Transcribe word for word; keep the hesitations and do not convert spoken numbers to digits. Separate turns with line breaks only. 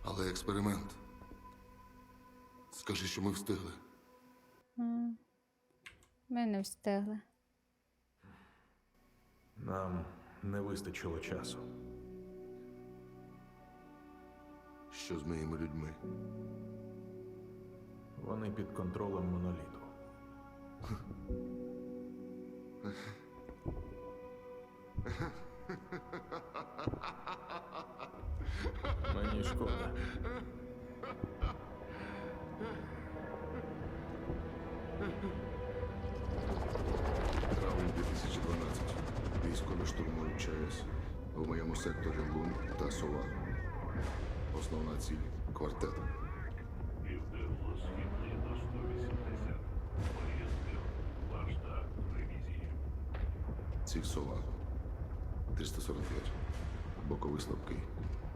Але експеримент. Скажи, що ми встигли.
М. Ми не встигли.
Нам не вистачило часу.
Що з моїми людьми?
Вони під контролем моноліту. Мені шкода.
Травень дві тисячі дванадцятого. Військові штурмують ЧАЕС. У моєму секторі Лун та Сова. Основна ціль – квартет.
Південно-східний до сто вісімдесят. Поїздив. Ваш так, ревізії.
Ціль Сова. триста сорок п'ять. Боковий слабкий.